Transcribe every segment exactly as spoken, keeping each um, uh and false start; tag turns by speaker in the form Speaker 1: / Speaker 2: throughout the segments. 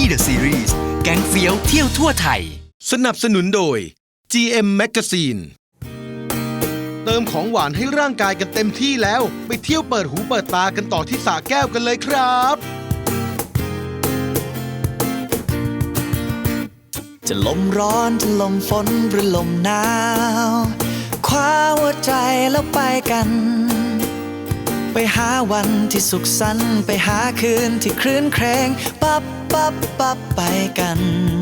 Speaker 1: The Series แก๊งเฟี้ยวเที่ยวทั่วไทยสนับสนุนโดย จี เอ็ม Magazine เติมของหวานให้ร่างกายกันเต็มที่แล้วไปเที่ยวเปิดหูเปิดตากันต่อที่สระแก้วกันเลยครับ
Speaker 2: จะลมร้อนจะลมฝนหรือลมหนาวคว้าหัวใจแล้วไปกันไปหาวันที่สุขสันต์ไปหาคืนที่คลื่นเครงปั๊บปั๊บปั๊บไปกัน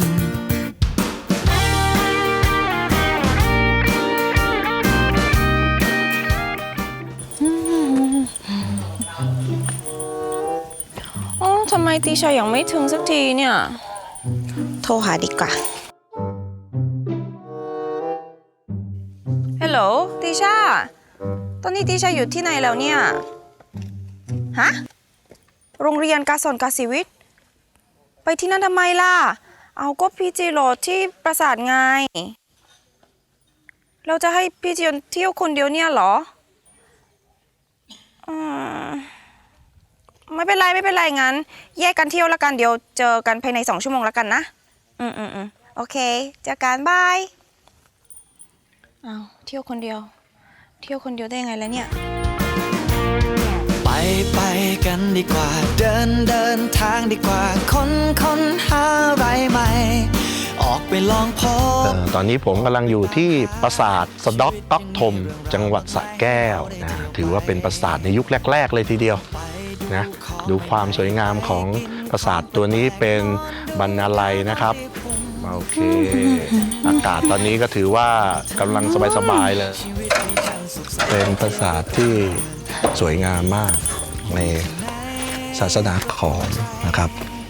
Speaker 3: โอ้ทำไมตีชายังไม่ถึงสักทีเนี่ยโทรหาดีกว่าฮัลโหลตีชาตอนนี้ตีชาอยู่ที่ไหนแล้วเนี่ยฮะโรงเรียนกาสอนกาศิวิทย์ไปที่นั่นทำไมล่ะเอาก็พี่จีโรดที่ปราสาทไงเราจะให้พี่จีเที่ยวคนเดียวเนี่ยเหรออืมไม่เป็นไรไม่เป็นไรงั้นแยกกันเที่ยวละกันเดี๋ยวเจอกันภายในสองชั่วโมงละกันนะอืมอืมอืมโอเคเจอกันบายเอาเที่ยวคนเดียวเที่ยวคนเดียวได้ยังไงแล้วเนี่ย
Speaker 2: ไปไปกันดีกว่าเดินเดินทางดีกว่าค้นค้นหาอะไรใหม่ออกไปลองพบ
Speaker 4: ตอนนี้ผมกำลังอยู่ที่ปราสาทสะด็อกต๊อกทมจังหวัดสระแก้วนะถือว่าเป็นปราสาทในยุคแรกๆเลยทีเดียวนะดูความสวยงามของปราสาทตัวนี้เป็นบรรณาลัยนะครับโอเคอากาศตอนนี้ก็ถือว่ากำลังสบายๆเลยเป็นปราสาทที่สวยงามมากในศาสนาขอมนะครับ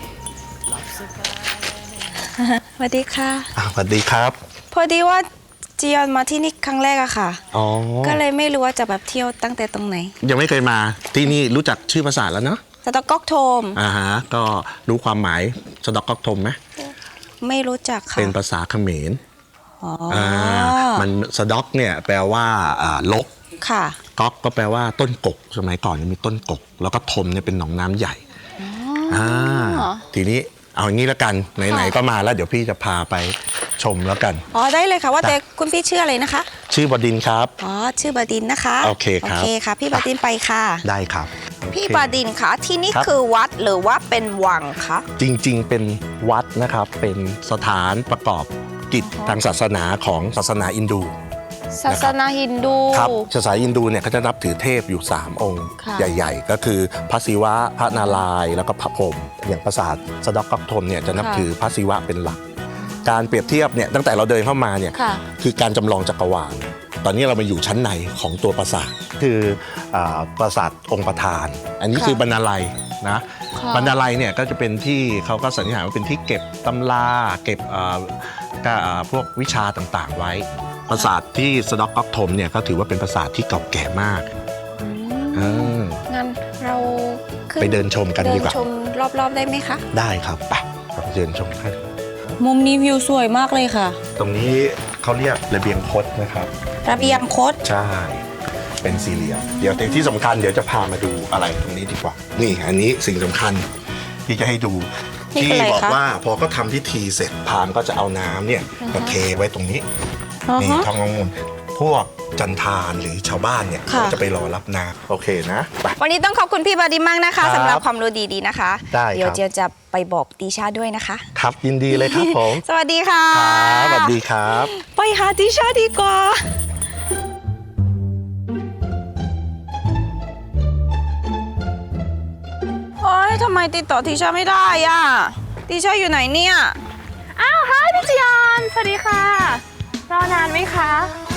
Speaker 3: สวัสดีค่ะ
Speaker 4: สวัสดีครับ
Speaker 3: พอดีว่าจียอนมาที่นี่ครั้งแรกอะค่ะ
Speaker 4: อ๋อ
Speaker 3: ก็เลยไม่รู้ว่าจะแบบเที่ยวตั้งแต่ตรงไหน
Speaker 4: ยังไม่เคยมาที่นี่รู้จักชื่อปราสาทแล้วเนาะ
Speaker 3: สะด็อกก๊อกโทม
Speaker 4: อ่าฮะก็รู้ความหมายสะด็อกก๊อกโทมไหม
Speaker 3: ไม่รู้จักค่ะ
Speaker 4: เป็นภาษาเขมรอ๋ออ่ามันสะด็อกเนี่ยแปลว่าอ่าลก
Speaker 3: ค่ะ
Speaker 4: ก๊อกก็แปลว่าต้นกกสมัยก่อนมีต้นกกแล้วก็ทมเนี่ยเป็นหนองน้ำใหญ่อ่าทีนี้เอาอย่างนี้แล้วกันไหนๆก็มาแล้วเดี๋ยวพี่จะพาไปชมแล้วกัน
Speaker 3: อ๋อได้เลยค่ะว่าแต่คุณพี่ชื่ออะไรนะคะ
Speaker 4: ชื่อบดินครับ
Speaker 3: อ๋อชื่อบดินนะคะ
Speaker 4: โอเคครับ
Speaker 3: โอเคค่ะพี่บดินไปค่ะ
Speaker 4: ได้ครับ
Speaker 3: พี่บดินคะที่นี่คือวัดหรือว่าเป็นวังคะ
Speaker 4: จริงๆเป็นวัดนะครับเป็นสถานประกอบกิจทางศาสนาของศาสนาอินดู
Speaker 3: ศาสนาฮินดู
Speaker 4: ครับศาสนาฮินดูเนี่ยเขาจะนับถือเทพอยู่สามองค์ใหญ่ๆก็คือพระศิวะพระนารายณ์แล้วก็พระพรหมอย่างปราสาทสะด็อกก๊อกโทมเนี่ยจะนับถือพระศิวะเป็นหลักการเปรียบเทียบเนี่ยตั้งแต่เราเดินเข้ามาเนี่ยคือการจำลองจักรวาลตอนนี้เรามาอยู่ชั้นในของตัวปราสาทคือปราสาทองค์ประธานอันนี้คือบรรณาลัยนะบรรณาลัยเนี่ยก็จะเป็นที่เขาก็สันนิษฐานว่าเป็นที่เก็บตำราเก็บพวกวิชาต่างๆไว้ปราสาทที่สะด็อกก๊อกโทมเนี่ยก็ถือว่าเป็นปราสาทที่เก่าแก่มาก
Speaker 3: งั้นเรา
Speaker 4: ไปเดินชมกันดีกว่า
Speaker 3: เดินชมรอบๆได้ไหมคะ
Speaker 4: ได้ครับไปเราเดินชมกัน
Speaker 3: มุมนี้วิวสวยมากเลยค่ะ
Speaker 4: ตรงนี้เขาเรียกระเบียงคดนะครับ
Speaker 3: ระเบียงคด
Speaker 4: ใช่เป็นสี่เหลี่ยมเดี๋ยวที่สำคัญเดี๋ยวจะพามาดูอะไรตรงนี้ดีกว่านี่อันนี้สิ่งสำคัญที่จะให้ดูที่บอกว่าพอเขาทำพิธีเสร็จพราหมณ์ก็จะเอาน้ำเนี่ยมาเทไว้ตรงนี้นี่ทององุ่นพวกจันทานหรือชาวบ้านเนี่ยก็จะไปรอรับน้ำโอเคนะ
Speaker 3: วันนี้ต้องขอบคุณพี่บดินมากนะคะสำหรับความรู้ดีๆนะคะ
Speaker 4: ได้
Speaker 3: เดี๋ยวเจียวจะไปบอกติชาด้วยนะคะ
Speaker 4: ครับยินดีเลยครับผม
Speaker 3: สวัสดีค่ะ
Speaker 4: สวัสดีครับ
Speaker 3: ไปหาติชาดีกว่าโอ๊ยทำไมติดต่อติชาไม่ได้อ่ะติชาอยู่ไหนเนี่ย
Speaker 5: อ้าวฮายพี่จียอนสวัสดีค่ะรอนานไหมคะ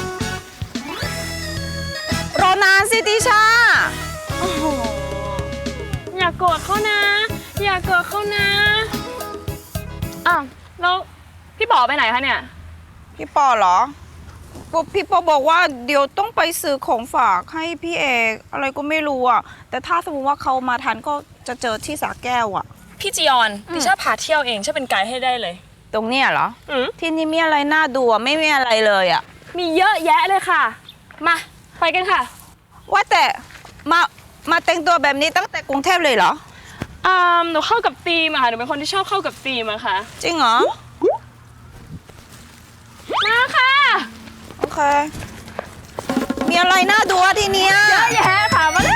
Speaker 3: รอนานสิติชา
Speaker 5: โอ้โหอย่าโกรธเขานะอย่าโกรธเขานะอ้าวแล้วพี่ปอไปไหนคะเนี่ย
Speaker 3: พี่ปอเหรอพี่ปอบอกว่าเดี๋ยวต้องไปซื้อของฝากให้พี่เอกอะไรก็ไม่รู้อ่ะแต่ถ้าสมมติว่าเขามาทันก็จะเจอที่สระแก้วอ่ะ
Speaker 5: พี่จียอนดิฉันพาเที่ยวเองฉันเป็นไกด์ให้ได้เลย
Speaker 3: ตรงเนี้ยเหรอที่นี่มีอะไรน่าดูไม่มีอะไรเลยอ่ะ
Speaker 5: มีเยอะแยะเลยค่ะมาไปกันค่ะ
Speaker 3: ว่าแต่มามาแต่งตัวแบบนี้ตั้งแต่กรุงเทพเลยเหรอ
Speaker 5: อ่าหนูเข้ากับธีมอะค่ะหนูเป็นคนที่ชอบเข้ากับธีมอะค่ะ
Speaker 3: จริงเหรอ
Speaker 5: มาค่ะ
Speaker 3: โอเค มีอะไรน่าดูอะทีเนี้ย
Speaker 5: เยอะแยะค่ะมาเลย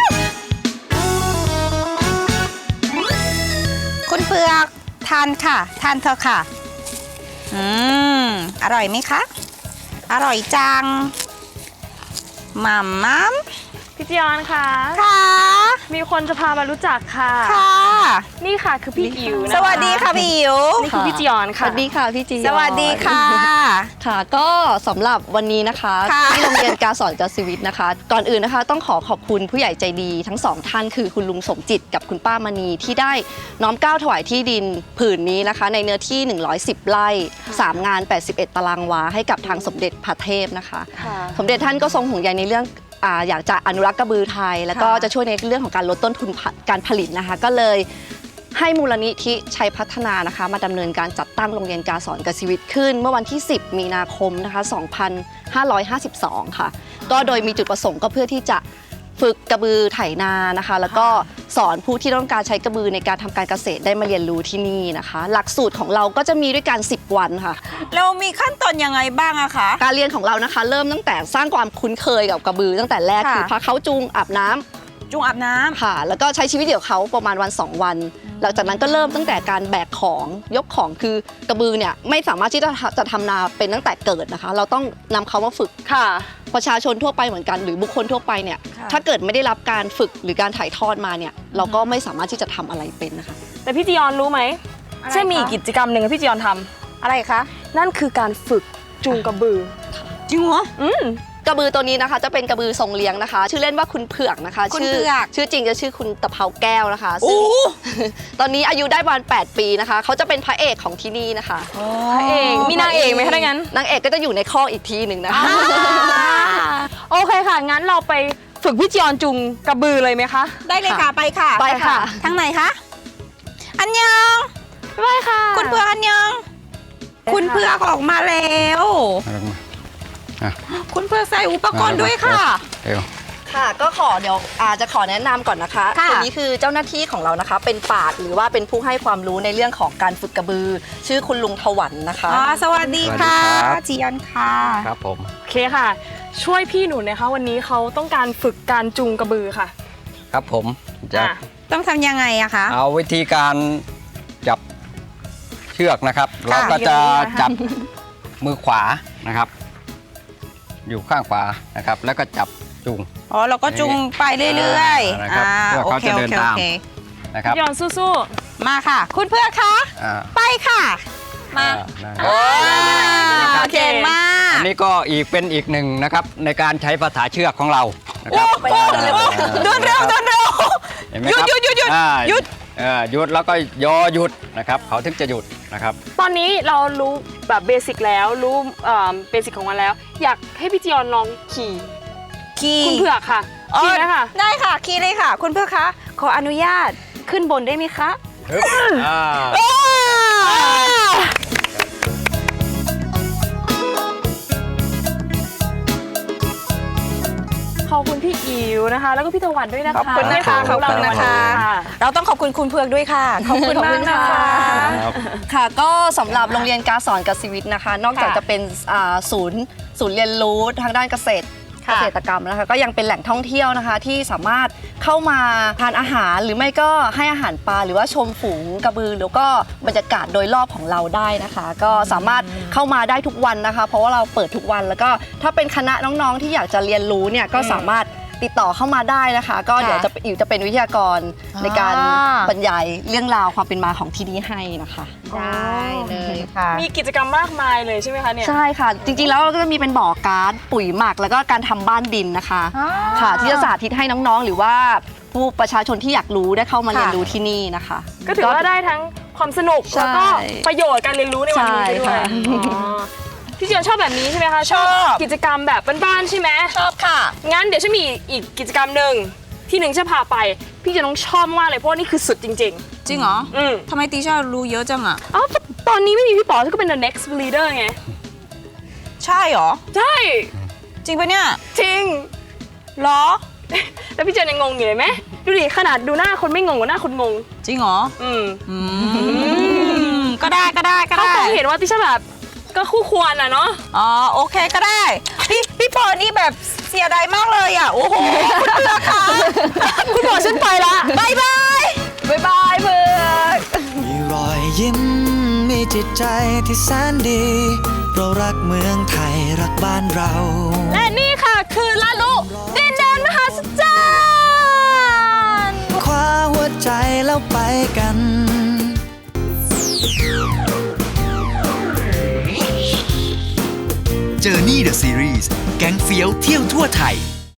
Speaker 3: คุณเผือกทานค่ะ ทานเถอะค่ะ อืม อร่อยไหมคะ อร่อยจังมัมมัม
Speaker 5: พี่จียอนค่ะ
Speaker 3: ค่ะ
Speaker 5: มีคนจะพามารู้จักค่ะ
Speaker 3: ค่ะ
Speaker 5: นี่ค่ะคือพี่อิ๋วนะคะ
Speaker 3: สวัสดีค่ะพี่อิ๋ว
Speaker 5: นี่คือพี่จียอน
Speaker 6: ส
Speaker 5: ค่ะ
Speaker 6: วัสดีค่ะพี่จียอน
Speaker 3: สวัสดีค่ะ
Speaker 6: ค่ะ ก็สำหรับวันนี้นะคะ
Speaker 3: ค่ะ
Speaker 6: ที่โรงเรียนการสอนจัสวิทนะคะ ก่อนอื่นนะคะต้องขอขอบคุณผู้ใหญ่ใจดีทั้งสองท่านคือคุณลุงสมจิตกับคุณป้ามณีที่ได้น้อมเกล้าถวายที่ดินผืนนี้นะคะ ในเนื้อที่ หนึ่งร้อยสิบ ไร่ สาม งาน แปดสิบเอ็ด ตารางวาให้กับทางสมเด็จพระเทพนะคะ
Speaker 5: ค่ะ
Speaker 6: สมเด็จท่านก็ทรงห่วงใยในเรื่องอ่าอยากจะอนุรักษ์กระบือไทย แล้วก็
Speaker 3: ค่ะ
Speaker 6: จะช่วยในเรื่องของการลดต้นทุนผการผลิตนะคะ ก็เลยให้มูลนิธิชัยพัฒนานะคะ มาดำเนินการจัดตั้งโรงเรียนการสอนกสิวิทย์ขึ้น เมื่อวันที่ สิบ มีนาคมนะคะ สองพันห้าร้อยห้าสิบสอง ค่ะ ก็โดยมีจุดประสงค์ก็เพื่อที่จะฝึกกระบือไถนานะคะ แล้วก็สอนผู้ที่ต้องการใช้กระบือในการทำการเกษตรได้มาเรียนรู้ที่นี่นะคะ หลักสูตรของเราก็จะมีด้วยกันสิบวันค่ะ
Speaker 3: เรามีขั้นตอนยังไงบ้างอะคะ
Speaker 6: การเรียนของเรานะคะ เริ่มตั้งแต่สร้างความคุ้นเคยกับกระบือตั้งแต่แรก
Speaker 3: ค่ะ
Speaker 6: คือพาเขาจูงอาบน้ำ
Speaker 3: จุงอาบน้ำ
Speaker 6: ค่ะ แล้วก็ใช้ชีวิตเดี่ยวเขาประมาณวันสองวัน หลังจากนั้นก็เริ่มตั้งแต่การแบกของยกของคือกระบือเนี่ยไม่สามารถที่จะจะทำนาเป็นตั้งแต่เกิดนะคะ เราต้องนำเขามาฝึก
Speaker 5: ค่ะ
Speaker 6: ประชาชนทั่วไปเหมือนกันหรือบุคคลทั่วไปเนี่ย
Speaker 3: ค่ะ
Speaker 6: ถ้าเกิดไม่ได้รับการฝึกหรือการถ่ายทอดมาเนี่ยเราก็ไม่สามารถที่จะทำอะไรเป็นนะคะ
Speaker 5: แต่พี่จียอนรู้ไหม
Speaker 3: อะไร
Speaker 5: ใช่มี
Speaker 3: คะ
Speaker 5: กิจกรรมหนึ่งที่พี่จียอนท
Speaker 3: อะไรคะ
Speaker 5: ำนั่นคือการฝึกจูงกระบือ
Speaker 3: จริงเหรอ
Speaker 5: อืม
Speaker 6: กระบือตัวนี้นะคะจะเป็นกระบือทรงเลี้ยงนะคะ ชื่อเล่นว่าคุณเผือกนะคะ
Speaker 3: คุณ
Speaker 6: ชื่
Speaker 3: เผือก
Speaker 6: ชื่อจริงจะชื่อคุณตะเภาแก้วนะคะซึ่ง
Speaker 3: โอ้
Speaker 6: ตอนนี้อายุได้ประมาณแปดปีนะคะเขาจะเป็นพระเอกของที่นี่นะคะ
Speaker 5: พระเอกมีนางเอกไหมคะถ้างั้น
Speaker 6: นางเอกก็จะอยู่ในข้อกอีกทีหนึ่งนะคะ
Speaker 5: โอเคค่ะ งั้นเราไปฝึกพี่จียอนจูงกระบือเลยไหมคะ
Speaker 3: ได้เลยค่ะ ไปค่ะ
Speaker 6: ไปค่ะ
Speaker 3: ทางไหนคะ อันยัง
Speaker 5: ไปค่ะ
Speaker 3: คุณเผือกอันยัง คุณเผือกออกมาแล้ว คุณเผือกใส่อุปกรณ์ด้วยค่ะ
Speaker 6: ค่ะก็ขอเดี๋ยวอาจะขอแนะนำก่อนนะคะ
Speaker 3: ค่ะ
Speaker 6: คนนี้คือเจ้าหน้าที่ของเรานะคะ เป็นปราชญ์หรือว่าเป็นผู้ให้ความรู้ในเรื่องของการฝึกกระบือ ชื่อคุณลุงถวันนะคะ
Speaker 3: อ๋อสวัสดีค่ะ
Speaker 7: สวัสดีครับ
Speaker 3: จียอนค่ะ
Speaker 7: ครับผม
Speaker 5: โอเคค่ะ ช่วยพี่หนูนะคะ วันนี้เขาต้องการฝึกการจูงกระบือค่ะ
Speaker 7: ครับผมจะ
Speaker 5: อ่ะ
Speaker 3: ต้องทำยังไงอะคะ
Speaker 7: เอาวิธีการจับเชือกนะครับ เราก็จะจับมือขวานะครับ อยู่ข้างขวานะครับ แล้วก็จับจูง
Speaker 3: อ๋อเราก็จุงไปเรื่อยๆ
Speaker 7: นะครับเพื่อเขาจะเดินตาม
Speaker 3: โอเค
Speaker 7: นะครับ
Speaker 5: พี่จียอนสู้
Speaker 3: มาค่ะ คุณเพื่อกคะ
Speaker 7: อ่า
Speaker 3: ไปค่ะ มา
Speaker 7: นะครับ
Speaker 3: โอ้เก่งมาก
Speaker 7: อันนี้ก็อีกเป็นอีกหนึ่งนะครับในการใช้ภาษาเชือกของเรานะครับ
Speaker 3: โอ้โหเดินเร็วเดินเร็ว
Speaker 7: เห็นไหมครับ
Speaker 3: หยุดหยุดหยุด
Speaker 7: อ่า
Speaker 3: หยุด
Speaker 7: เอ่อหยุดแล้วก็ยอหยุดนะครับ เขาถึงจะหยุดนะครับ
Speaker 5: ๆ ตอนนี้เรารู้แบบเบสิกแล้ว รู้เบสิกของมันแล้ว อยากให้พี่จียอนลองขี่
Speaker 3: ขี่
Speaker 5: คุณเผือกค่ะ
Speaker 3: อ๋อ
Speaker 5: ขี่ไหมค่ะ
Speaker 3: ได้ค่ะ ขี่เลยค่ะ คุณเพื่อกคะ ขออนุญาตขึ้นบนได้ไหมคะ
Speaker 7: ฮึบอ่า
Speaker 5: ขอบคุณพี่อิ๋วนะคะ แล้วก็พี่ตะวันด้วยนะคะ
Speaker 3: ขอบคุณนะคะ
Speaker 5: ที่
Speaker 3: ขอบคุณนะคะ
Speaker 5: ค่ะ
Speaker 3: เราต้องขอบคุณคุณเพือกด้วยค่ะ ขอบคุณมากนะคะ
Speaker 7: ครับ
Speaker 6: ค่ะก็สำหรับโรงเรียนการสอนกสิวิทย์นะคะ นอกจาก
Speaker 5: ค่ะ
Speaker 6: จะเป็นอ่าศูนย์ศูนย์เรียนรู้ทางด้านเกษตร เก
Speaker 3: ค่ะ
Speaker 6: ษตรกรรมนะคะก็ยังเป็นแหล่งท่องเที่ยวนะคะ ที่สามารถเข้ามาทานอาหารหรือไม่ก็ให้อาหารปลาหรือว่าชมฝูงกระบือแล้วก็บรรยากาศโดยรอบของเราได้นะคะ ก็สามารถเข้ามาได้ทุกวันนะคะ เพราะว่าเราเปิดทุกวันแล้วก็ถ้าเป็นคณะน้องๆ ที่อยากจะเรียนรู้เนี่ยก็สามารถติดต่อเข้ามาได้นะคะ ก็เดี๋ยวจะอิ๋วจะเป็นวิทยากรในการบรรยายเรื่องราวความเป็นมาของที่นี่ให้นะคะ
Speaker 3: ได้เลยค่ะ
Speaker 5: มีกิจกรรมมากมายเลยใช่ไหมคะเนี่ย
Speaker 6: ใช่ค่ะ จริงๆแล้วเราก็จะมีเป็นบ่อการ์ดปุ๋ยหมัก แล้วก็การทำบ้านดินนะคะ
Speaker 3: อ๋อ
Speaker 6: ค่ะ ที่จะสาธิตให้น้องๆ หรือว่าผู้ประชาชนที่อยากรู้ได้เข้ามา
Speaker 3: ค่ะ
Speaker 6: เรียนรู้ที่นี่นะคะ
Speaker 5: ก็ถือว่าได้ทั้งความสนุก
Speaker 6: ใช่
Speaker 5: แล้วก็ประโยชน์การเรียนรู้ในวันนี้ไปด้วย
Speaker 6: ใช่ค่ะ
Speaker 5: อ๋อพี่เจียนชอบแบบนี้ใช่ไหมคะ
Speaker 3: ชอบ
Speaker 5: กิจกรรมแบบบ้านๆใช่ไหม
Speaker 3: ชอบค่ะ
Speaker 5: งั้นเดี๋ยวฉันมีอีกกิจกรรมหนึ่งที่หนึ่งจะพาไป พี่จะต้องชอบมากเลยเพราะว่านี่คือสุดจริง
Speaker 3: จริงเหรอ
Speaker 5: ๆ อืม
Speaker 3: ทำไมตีชารู้เยอะจังอะ
Speaker 5: อ๋อตอนนี้ไม่มีพี่ป๋อก็เป็น the next leader ไง
Speaker 3: ใช่เหรอ
Speaker 5: ใช่
Speaker 3: จริงปะเนี่ย
Speaker 5: จริง
Speaker 3: เหรอ
Speaker 5: แล้วพี่เจียนยังงงอยู่เลยไหมดูดิขนาดดูหน้าคนไม่งงกว่าหน้าคนงง
Speaker 3: จริงเหรอ
Speaker 5: อืม
Speaker 3: อืมก็ได้ก็ได้ก็
Speaker 5: เขา
Speaker 3: ได้
Speaker 5: คงเห็นว่าติช่าแบบก็คู่ควรอ่ะเนาะ
Speaker 3: อ๋อโอเคก็ได้ พี่พี่ปอนี่แบบเสียดายมากเลยอ่ะ โอ้โหคุณเพื่อนคะ
Speaker 5: คุณบอกฉันไปละ
Speaker 3: บายบาย
Speaker 5: บ๊ายบายเพื่อน
Speaker 2: มีรอยยิ้มมีจิตใจที่แสนดี เรารักเมืองไทยรักบ้านเรา
Speaker 5: และนี่ค่ะคือลาลุดินแดนมหัศจรรย์
Speaker 2: คว้าหัวใจแล้วไปกัน
Speaker 1: Journey the Series แก๊งเฟี้ยวเที่ยวทั่วไทย